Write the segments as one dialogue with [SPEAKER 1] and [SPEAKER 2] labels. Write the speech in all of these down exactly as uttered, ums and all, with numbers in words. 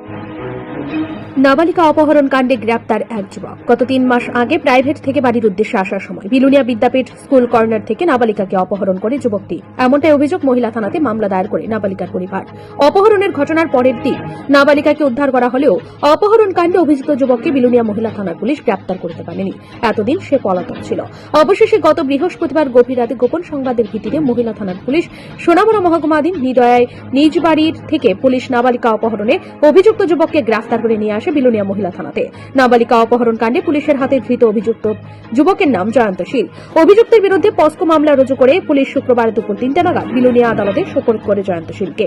[SPEAKER 1] নাবালিকা অপহরণ কাণ্ডে গ্রেপ্তার এক যুবক। গত তিন মাস আগে প্রাইভেট থেকে বাড়ির উদ্দেশ্যে আসার সময় বিলুনিয়া বিদ্যাপীঠ স্কুল কর্নার থেকে নাবালিকাকে অপহরণ করে যুবকটি। এমনটাই অভিযোগ মহিলা থানাতে মামলা দায়ের করে নাবালিকার পরিবার। অপহরণের ঘটনার পরের দিন নাবালিকাকে উদ্ধার করা হলেও অপহরণ কাণ্ডে অভিযুক্ত যুবককে বিলুনিয়া মহিলা থানার পুলিশ গ্রেপ্তার করতে পারেনি। এতদিন সে পলাতক ছিল। অবশেষে গত বৃহস্পতিবার গভীর রাতে গোপন সংবাদের ভিত্তিতে মহিলা থানার পুলিশ সোনামুড়া মহকুমাধীন নিদয়ায় নিজ বাড়ির থেকে পুলিশ নাবালিকা অপহরণে অভিযুক্ত যুবককে গ্রেফতার করে নিয়ে আসে বিলুনিয়া মহিলা থানাতে। নাবালিকা অপহরণ কাণ্ডে পুলিশের হাতে ধৃত অভিযুক্ত যুবকের নাম জয়ন্ত শীল। অভিযুক্তের বিরুদ্ধে পস্কো মামলা রুজু করে পুলিশ শুক্রবার দুপুর তিনটা নাগাদ বিলুনিয়া আদালতে সোপর্দ করে জয়ন্ত শীলকে।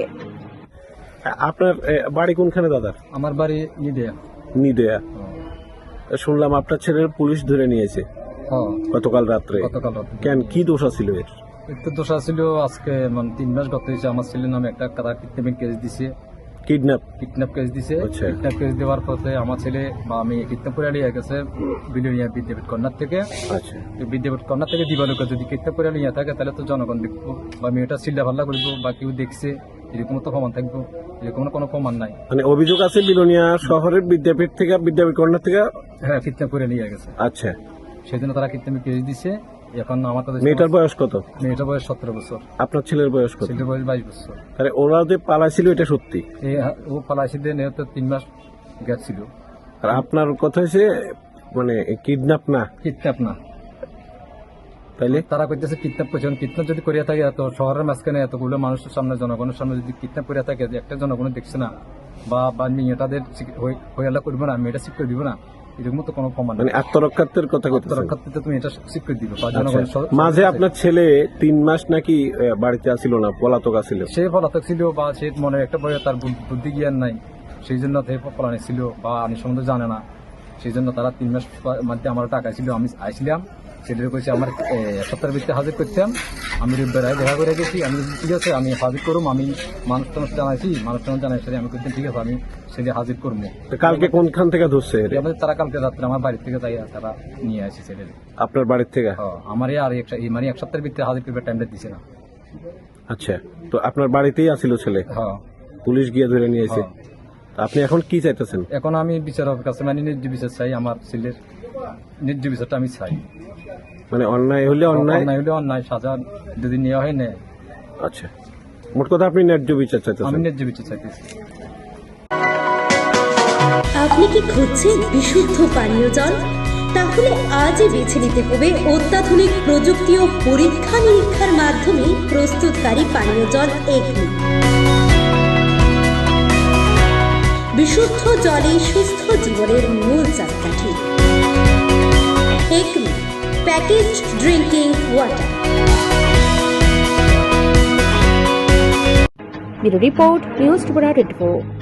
[SPEAKER 2] আপনার বাড়ি কোনখানে দাদা?
[SPEAKER 3] আমার বাড়ি নিদেয়া।
[SPEAKER 2] নিদেয়া। শুনলাম আপনার ছেলের পুলিশ ধরে নিয়েছে গতকাল রাত্রে।
[SPEAKER 3] গতকাল রাত্রে
[SPEAKER 2] কেন, কি দোষ ছিল এর?
[SPEAKER 3] একটু দোষা ছিল। আজকে মানে তিন মাস গত হয়েছে। আমার ছেলের নামে একটা কারা কিডন্যাপিং কেস দিছে।
[SPEAKER 2] কিডন্যাপ
[SPEAKER 3] কিডন্যাপ কেস দিছে।
[SPEAKER 2] আচ্ছা।
[SPEAKER 3] কিডন্যাপ কেস দেওয়ার পথে আমার ছেলে বা আমি কিডন্যাপ করে নিয়ে গেছে বিলুনিয়া বিদ্যাপীঠ কর্নার থেকে।
[SPEAKER 2] আচ্ছা।
[SPEAKER 3] বিদ্যাপীঠ কর্নার থেকে দিবালুকে যদি কিডন্যাপ করে নিয়ে থাকে তাহলে তো জনগণ দেখবো বা মেয়েটা চিল্লা ভাল্লা করবো বা কেউ দেখছে, এরকম তো প্রমাণ থাকবো। এরকম কোনো প্রমাণ নাই।
[SPEAKER 2] মানে অভিযোগ আছে বিলুনিয়া শহরের বিদ্যাপীঠ থেকে বিদ্যাপীঠ কর্নার থেকে
[SPEAKER 3] হ্যাঁ কিডন্যাপ করে নিয়ে গেছে।
[SPEAKER 2] আচ্ছা।
[SPEAKER 3] সেই জন্য তারা কিডন্যাপিং কেস দিছে। এখন আমার কাছে
[SPEAKER 2] মেয়েটার বয়স কত?
[SPEAKER 3] মেয়েটার বয়স সতেরো বছর।
[SPEAKER 2] আপনার ছেলের বয়স কত?
[SPEAKER 3] ছেলের বয়স বাইশ বছর।
[SPEAKER 2] তাহলে ওরা যে পালাইছিল এটা সত্যি?
[SPEAKER 3] ও পালাইছে তো তিন মাস গেছিল।
[SPEAKER 2] আর আপনার কথা হয়েছে মানে কিডন্যাপ না?
[SPEAKER 3] কিডন্যাপ না।
[SPEAKER 2] তাইলে
[SPEAKER 3] তারা কইতেছে কিডন্যাপ করছে। কিডন্যাপ যদি করিয়া থাকে এত শহরের মাঝখানে এতগুলো মানুষের সামনে জনগণের সামনে যদি কিডন্যাপ করিয়া থাকে একটা জনগণ দেখছে না বা বা মেয়েটাদের হইয়ালা করবো না, মেয়েটা স্বীকৃতি দিব না, এরকম তো কোনো প্রমাণ
[SPEAKER 2] মানে আত্মরক্ষার্থের কথা
[SPEAKER 3] আত্মরক্ষার্থে তুমি এটা স্বীকৃতি দিব বা জনগণ।
[SPEAKER 2] মাঝে আপনার ছেলে তিন মাস নাকি বাড়িতে আসিল না, পলাতক আসিল?
[SPEAKER 3] সে পলাতক ছিল বা সে মনে একটা বয়ে তার বুদ্ধি জ্ঞান নাই, সেই জন্য পলানি ছিল বা আমি সম্বন্ধে জানে না। সেই জন্য তারা তিন মাস মধ্যে আমার টাকা ছিল। আমি আইছিলাম, ছেলের কইছে আমার এক সপ্তাহের ভিত্তিতে হাজির করতাম। আমি রবিবার দেখা করে গেছি। আমি ঠিক আছে আমি হাজির করুম। আমি মানুষ টানুষ জানাইছি, মানুষ টানুষ জানাইছি আমি করতাম ঠিক আছে আমি ছেলে হাজির করবো।
[SPEAKER 2] কালকে কোনখান থেকে ধরছে?
[SPEAKER 3] তারা কালকে রাত্রে আমার বাড়ির থেকে যাই তারা নিয়ে আসে ছেলে।
[SPEAKER 2] আপনার বাড়ির থেকে?
[SPEAKER 3] আমার আর মানে এক সপ্তাহের ভিত্তিতে হাজির করবে টাইমটা দিছে না।
[SPEAKER 2] আচ্ছা, তো আপনার বাড়িতেই আসিল ছেলে?
[SPEAKER 3] হ্যাঁ।
[SPEAKER 2] পুলিশ গিয়ে ধরে নিয়েছে। আপনি এখন কি চাইতেছেন?
[SPEAKER 3] এখন আমি বিচারকের কাছে মানে ন্যায্য বিচার চাই। আমার ছেলের ন্যায্য বিচারটা আমি চাই।
[SPEAKER 2] মানে অন্যায় হলে অন্যায়,
[SPEAKER 3] অন্যায় হলে অন্যায় সাজা যদি নেওয়া হয় না।
[SPEAKER 2] আচ্ছা, মোট কথা আপনি ন্যায্য বিচার চাইতেছেন?
[SPEAKER 3] আমি ন্যায্য বিচার চাইতেছি।
[SPEAKER 4] আপনি কি খুঁজছেন বিশুদ্ধ পানীয় জল? তাহলে আজই বেছে নিতে হবে অত্যাধুনিক প্রযুক্তি ও পরীক্ষা নিরীক্ষার মাধ্যমে প্রস্তুতকারী পানীয় জল একমি। বিশুদ্ধ জলে সুস্থ জীবনের মূল চাকাঠি। Acme package drinking water.
[SPEAKER 1] Bureau report, news Tripura twenty four.